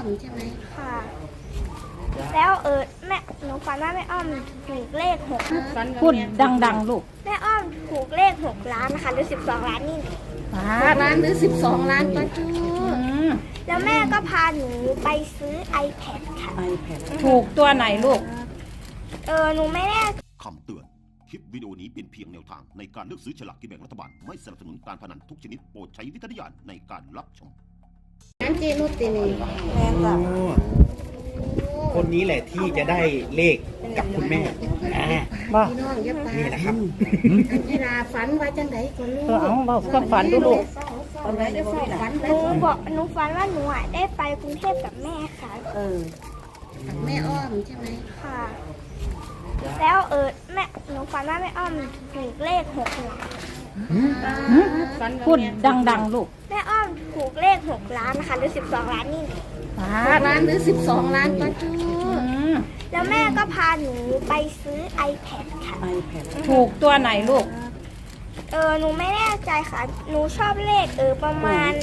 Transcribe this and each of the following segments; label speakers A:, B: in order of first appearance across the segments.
A: มใช่ไหม
B: ค่ะแล้วแม่หนูฝันว่าแม่อ้อมถูกเลข6
C: พูดดังๆลูก
B: แม่อ้อมถูกเลข6 ล้านนะคะหรือ12 ล้านนี่
A: 6 ล้านหรือ12 ล้านป้าจู
B: แล้วแม่ก็พาหนูไปซื้อ iPad ค่ะ
C: ถูกตัวไหนลูก
B: หนูไม่แน่
D: คำเตือน คลิปวิดีโอนี้เป็นเพียงแนวทางในการเลือกซื้อฉลากกินแบ่งรัฐบาล ไม่สนับสนุนการพนันทุกชนิดโปรดใช้วิจารณญาณในการรับชม
A: นั่นเจนุตินี่
E: คนนี้แหละที่จะได้เลขกับคุณแม่
A: พี่น้องอย่าไป
E: นี่นะครับ
A: เวลาฝันว่าจังไดก็รู้
C: เอาเบาความฝันดูลูก
A: ฝันได้ฝัน
B: หนูฝันว่าหนูได้ไปกรุงเทพกับแม่ค่ะ
A: แม่อ้อมใช่ไหม
B: ค่ะ แล้วหนูฝันว่าแม่อ้อมถูกเลข6 ล้าน
C: พูดดังๆลูก
B: แม่อ้อมถูกเลข6 ล้านนะคะหรือ12 ล้านนี่
A: 6 ล้านหรือ12 ล้านป้าจู
B: แล้วแม่ก็พาหนูไปซื้อ iPad ค่ะ
C: ถูกตัวไหนลูก
B: หนูไม่แน่ใจค่ะ หนูชอบเลขประมาณ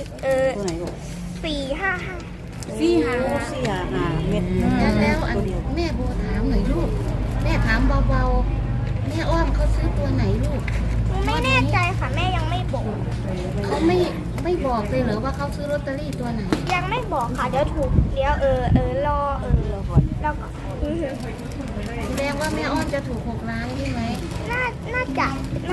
B: 455
C: เม็ด
A: แล้วอันแม่โบถามหน่อยลูกแม่ถามเบาๆแม่อ้อมเขาซื้อตัวไหนลูก
B: หนูไม่แน่ใจค่ะแม่ยังไม่บอก
A: เขาไม่บอกเลยเหรอว่าเขาซื้อลอตเตอรี่ตัวไหน
B: ยังไม่บอกค่ะเดี๋ยวถูกเดี๋ยวรอแล้วก็
A: แสดงว่าแม่อ้อมจะถูก6 ล้านใช่ไหม
B: น่าจะ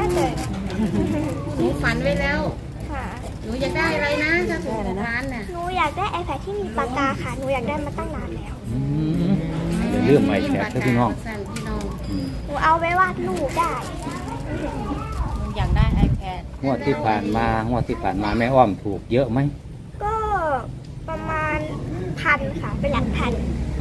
A: หนูฝันไว้แล้ว
B: ค่ะ
A: หนูอยากได้อะไรนะถ้าถูก6 ล้านน่ะ
B: หนูอยากได้ iPad ที่มีปากกาค่ะหนูอยากได้มาตั้งนานแล้ว
E: เรื่องใหม่แขกพี่น้อง
A: พี่น้อง
B: หนูเอาไว้วาดรูปได้
C: อยากได้ iPad
E: งวดที่ผ่านมาแม่อ้อมถูกเยอะไหม
B: ก็ประมาณ1,000ค่ะเป็นหลักพัน
E: โอ้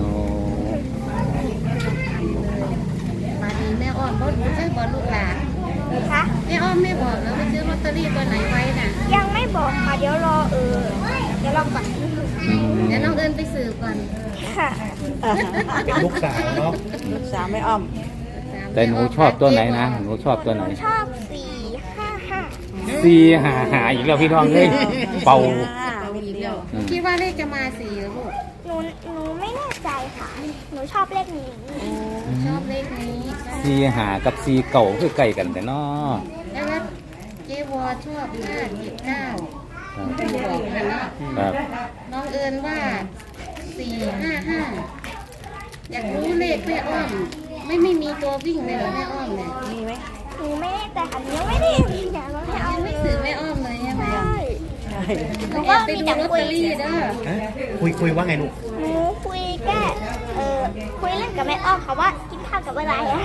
A: มาดีแม่อ้อมบ่รู้ใช่บ่ลูกหลาน
B: นะคะ
A: แม่อ้อมไม่บอกแล้วไปซื้อลอตเตอรี่ตัวไหนไว้น่ะ
B: ยังไม่บอกค่ะเดี๋ยวรอเดี๋ยวรอก่อน
A: เดี๋ยวน้องเอิญไปสืบก่อน
B: ค่ะ
E: เป็นลูกสาวเนาะ
C: ลูกสาวไม่อ้อม
E: แต่หนูชอบตัวไหนนะหนูชอบตัวไหน
B: ชอบ455
E: 4 5 อีกแล้วพี่น้องเลยเป่า
A: คิดว่าเลขจะมา4เหรอลูก
B: หนูไม่แน่ใจค่ะ หนูชอบเลขนี้
A: ชอบเลขนี้
E: 4 5กับ4 เก่าคือใกล้กันแต่เนาะ
A: แล้วเจวอชอบ579บอกนะเนาะ
E: ครับ
A: น้องเอิญว่า455อยากรู้เลขแม่อ้อมไม่มีตัววิ่งเลยเหรอแม่อ้อมเนี่ย
C: มีไหม
B: หนูไม่แน่ใจค่ะหนูยังไม่ได้อยากลองให้เอา
A: ยังไม่สืบแม่อ้อมเลยใช่ไหม
B: ใช่
A: หนูว่าไปดูลอตเตอรี่เด้อ
E: คุยว่าไงลูก
B: หนูคุยแค่คุยเล่นกับแม่อ้อมค่ะว่ากินข้าวกับอะไรอะ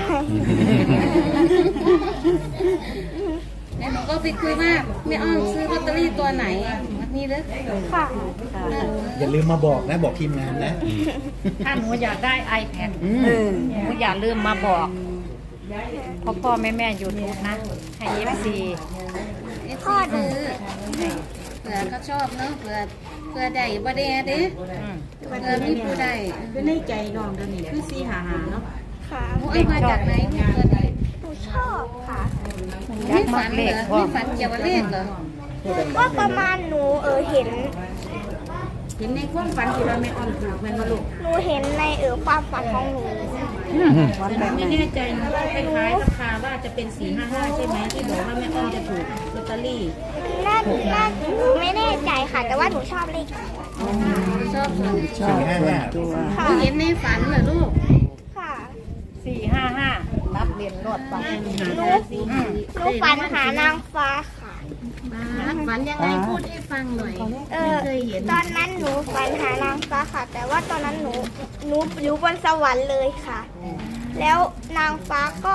A: แล้วหนูก็ไปคุยว่าแม่อ้อมซื้อลอตเตอรี่ตัวไหนวันนี้เด้อ
B: ค่ะ
F: อย่าลืมมาบอกนะบอกทีมงานนะ
C: ถ้าหนูอยากได้ iPad หนูอย่าลืมมาบอกพ่อแม่อยู่ถูกนะให้ FC
A: พ่อดื้อเผื่อเขาชอบเนาะเผื่อได้บ่ได้เด้เผื่อมีผู้ใด
C: เป็นในใจน้องเดี๋ยวนี้คือ455เนาะ
B: ค่ะ
A: หนูเอามาจากไหนเพื่อนไหน
B: หนูชอบค่ะ
A: ไม่ฝันเหรอไม่ฝันเกี่ยวกับเลขเหรอ
B: ก็ประมาณหนูเห็น
A: เห็นในความฝันที่เราไม่อ้อมถูกแม่นบ่ลูก
B: หนูเห็นในความฝันของหนู
G: ไม่แน่ใจนะว่าคล้ายๆราคาว่าจะเป็น455ใช่ไหมที่บอกว่าแม่อ้อมจะถูกลอตเตอรี่
B: น่าหนูไม่แน่ใจค่ะ แต่ว่าหนูชอบเลข
A: ชอบเลย
B: ค่ะ
A: หนูเห็นในฝันเหรอลูก
B: ค่ะ
C: 455รับเรียนรอดไป
B: หนูฝันหานางฟ้าค่ะ
A: ฝันยังไงพูดให้ฟังหน่อยไม่เคยเห็น
B: ตอนนั้นหนูฝันหานางฟ้าค่ะ แต่ว่าตอนนั้นหนูอยู่บนสวรรค์เลยค่ะ แล้วนางฟ้าก็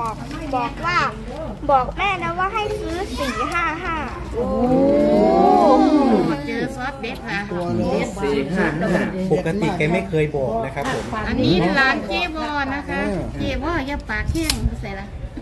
B: บอกแม่นะว่าให้ซื้อ455
A: เจอซอสเด็ดค่ะ
F: 4 5 5ปกติแกไม่เคยบอกนะครับผม
A: อันนี้ร้านเจวอนะคะ เจวออย่าปากแห้งใส่ละ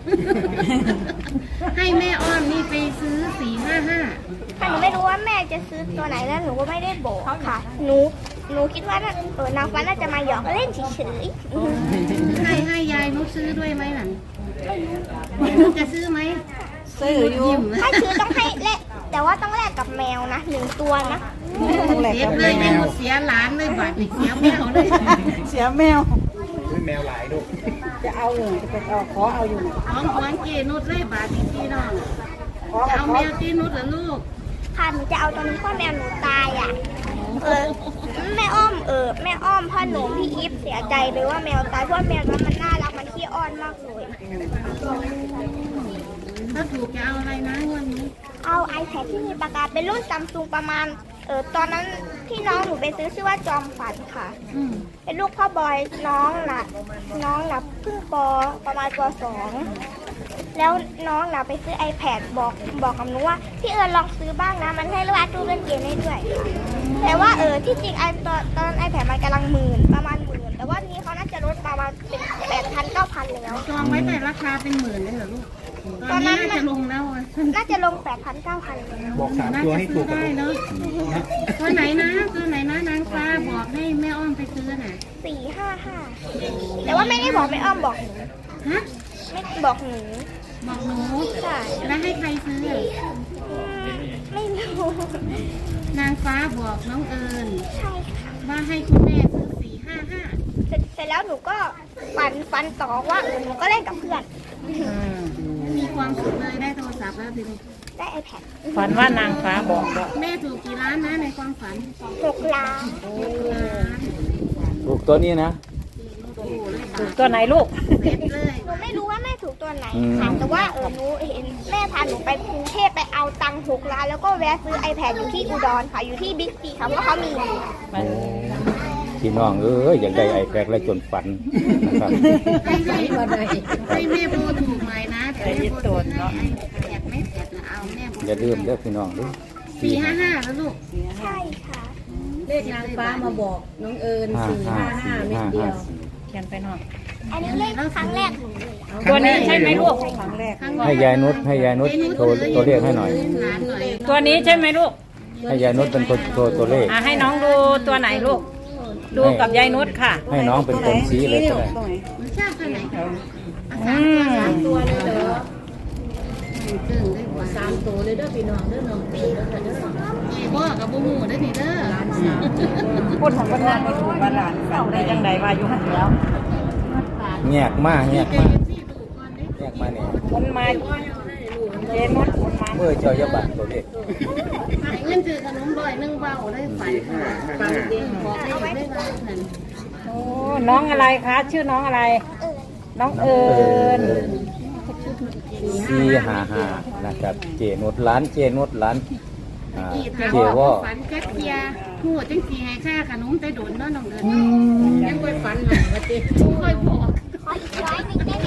A: ให้แม่อ้อมนี่ไปซื้อ455
B: ค่ะหนูไม่รู้ว่าแม่จะซื้อตัวไหนแล้วหนูก็ไม่ได้บอกค่ะ หนูคิดว่านางฟ้าน่าจะมาหยอกเล่นเฉย
A: ให้ยายนุชซื้อด้วยไหมหนันนุชจะซื้อไหม
C: ซื้ออยู่
A: ยิ้ม
B: ๆถ้าซื้อต้องให้แลกแต่ว่าต้องแลกกับแมวนะ1 ตัวนะ
A: โอ้เสียเลยไม่เสียหลานเลยบาดเสียแมวเลย
C: เสียแมว
E: ด้วยแมวหลายลูก
C: จะเอาเลยจะไปเอาขอเอาอยู่
A: ของเกนุดเลยบาดพี่น้องจะเอาแมวที่นุดเหรอลูก
B: ค่ะหนูจะเอาตอนนี้พ่อแมวหนูตายอ่ะแม่อ้อมแม่อ้อมพ่อหนูพี่อีฟเสียใจเลยว่าแมวตายเพราะแมวนั้นมันน่ารักมันขี้อ้อนมากเลย
A: ถ้าถูกจะเอาอะไรนะวันนี้
B: เอา iPad ที่มีปากกาเป็นรุ่นซัมซุงประมาณตอนนั้นที่น้องหนูไปซื้อชื่อว่าจอมฝันค่ะเป็นลูกพ่อบอยน้องน่ะเพิ่งประมาณป.2 แล้วน้องน่ะไปซื้อ iPad บอกกับหนูว่าพี่ลองซื้อบ้างนะมันให้วาดรูปเล่นเกมได้ด้วยแต่ว่าที่จริงตอน iPad มันกำลังประมาณ 10,000แต่ว่านี้เขาน่าจะลดประมาณเป็น 8,000 9,000แล้ว
A: จองไว้แต่ราคาเป็นหมื่นเลยเหรอลูกตอนนี้น่าจะลงแล้ว
B: น่าจะลง 8,000 9,000แล้ว
E: บอก3 ตัวให้ถูก
A: ได้เนาะตัวไหนนะนางฟ้าบอกให้แม่อ้อมไปซื้อน่ะ
B: 455แต่ว่าไม่ได้บอกแม่อ้อมบอกหนู
A: ฮะ
B: ไม่บอกหนู
A: บอกหนู
B: ใช่
A: แล้วให้ใครซื้อ
B: ไม่รู้
A: นางฟ้าบอกน้องเอิญ
B: ใช่ค่ะ
A: ว่าให้คุณแม่ซื้อ455
B: เสร็จแล้วหนูก็ฟันต่อว่าหนูก็เล่นกับเพื่อน
A: มีความสุขเลยได้โทรศัพท์แล้วทีนี้
B: ได้ iPad
C: ฝันว่านางฟ้าบอกว่า
A: แม่ถูกกี่ล้านนะในความฝัน
B: 6 ล้าน
A: ล้าน
F: ถูกตัวนี้นะ
C: ถูกตัวไหนลูก
A: เด็ดเลย
B: หนูไม่รู้ว่าแม่ถูกตัวไหน
F: อืม
B: ค่ะแต่ว่าหนูเห็นแม่พาหนูไปกรุงเทพไปเอาตังค์6 ล้านแล้วก็แวะซื้อ iPad อยู่ที่อุดรค่ะอยู่ที่บิ๊กซีค่ะเพราะเขามี
F: พี่น้องอยากได้ไอแพดแล้วจนฝันนะครับ
A: ให้แม่โบถูกหน่อยนะแต่แม่โบถูกให้แอบไม่แอบนะเอาแม่โบ
F: อย่าลืมเด้อพี่น้องเด้อ
A: 455แล้วลูก
B: ใช่ค่ะ
G: เลขนางฟ้ามาบอกน้องเอิญ455เม็ดเดียว
C: เขียนไปหน่อย
B: อันนี้เล่นครั้งแรกหนูเลย
C: ตัวนี้ใช่ไหมลูกครั้งแรก
F: ให้ยายนุชโทรตัวเลขให้หน่อย
A: ล้านหน่อย
C: ตัวนี้ใช่ไหมลูก
F: ให้ยายนุชเป็นคนโทรตัวเลข
C: ให้น้องดูตัวไหนลูก ดูกับยายนุชค่ะ
F: ให้น้องเป็นคนชี้เลยก็ได้
A: มันชอบตัวไหน
G: ตัวเลยเหรอ
A: ตึงได้กว่า
G: 3 ตัวเลยเด้อพี่น้องเด้อน้องเอิญเด้อเด้อ
A: พี่บ่กับบุมูได้นี่เด้อ
C: พูดของคนนั้นไม่ถูกบาลานซ์เอาได้ยังไงว่าอยู่หันแล้ว
F: แงกมากเนี่ย
C: คนมาเจนุชคนมา
F: เมื่อเจ้าอย่าบัตรตัวเลข
A: หายเงินซื้อขนมบ่อยนึงเบาได้ฝันฝันเด้งบอกได้ได้ว่านั่น
C: โอ้น้องอะไรคะชื่อน้องอะไร น้องเอิญ
F: 455นะครับเจนุชร้านเจนุชร้านเจวอ
A: ฝันแค่เทียหัวจังสีให้ค่าขนมแต่โดนเนาะน้องเดิน
G: ยังไปฝันหาว่าติ
A: ค่อยบอก
B: ขออีก100นึงได้ไหม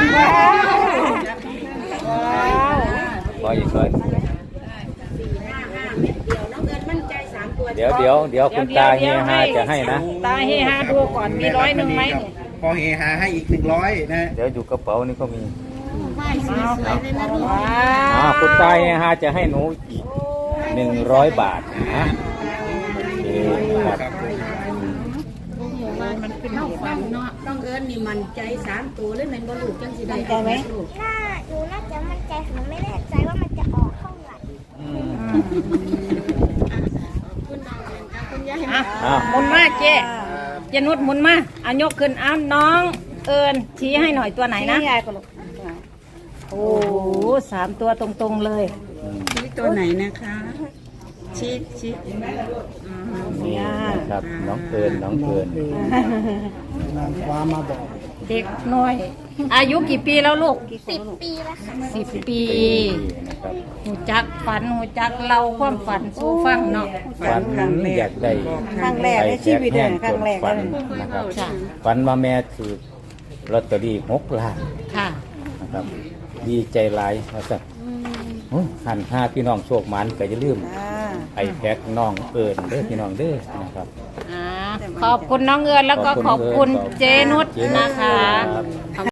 F: ขออีกเลย
G: 455เม็ดเดียวน้องเอิญมั่นใจ3 ตัว
F: เดี๋ยวคุณตาเฮียฮาจะให้นะ
C: ตาเฮฮาดูก่อนมี100ไหม
E: พอเฮฮาให้อีก100นะ
F: เดี๋ยวอยู่กระเป๋านี่ก็มี
A: ไหว้สวยๆเลยนะลูก
C: ว้าว
F: คุณตาเฮียฮาจะให้หนูอีก100 บาทนะโอเคครับ
A: โอ้โหว่ามันเป็นเล่าฝันเนาะ
G: น้องเอิญนี่มั่นใจ3 ตัวเลยแม่นบ่ลูกจังสิได้
B: หนูน่าจะมั่นใจหนูไม่แน่ใจว่ามันจะออกเท่าไหร่
A: คุณน้องเดินกับคุณยาย
C: อ่ะหมุนมาเจนุชหมุนมาเอายกขึ้นอ้ามน้องเอิญชี้ให้หน่อยตัวไหนนะโอ้โห3 ตัวตรงๆเลย
A: ตัวไหนนะคะชี้
F: นี่นะครับน้องเอิญ
C: เด็กน้อย อายุกี่ปีแล้วลูก
B: 10 ปีแล้วค่ะ
C: 10 ปี
F: นะครับ
C: หูจักฝันหูจักเราความฝันสู้ฟังเนาะ
F: ฝันอยากได้
C: ครั้งแรกในชีวิตเลยครั้งแรก
F: ฝันนะครับฝันว่าแม่ถือลอตเตอรี่6 ล้าน
C: ค่ะ
F: นะครับดีใจหลายนะครับหันห้าพี่น้องโชคมันก็อย่าลืมไอแพ็กน้องเอิญเด้อพี่น้องเด้อนะครับ
C: ขอบคุณน้องเอิญแล้วก็ขอบคุณเจนุชนะคะ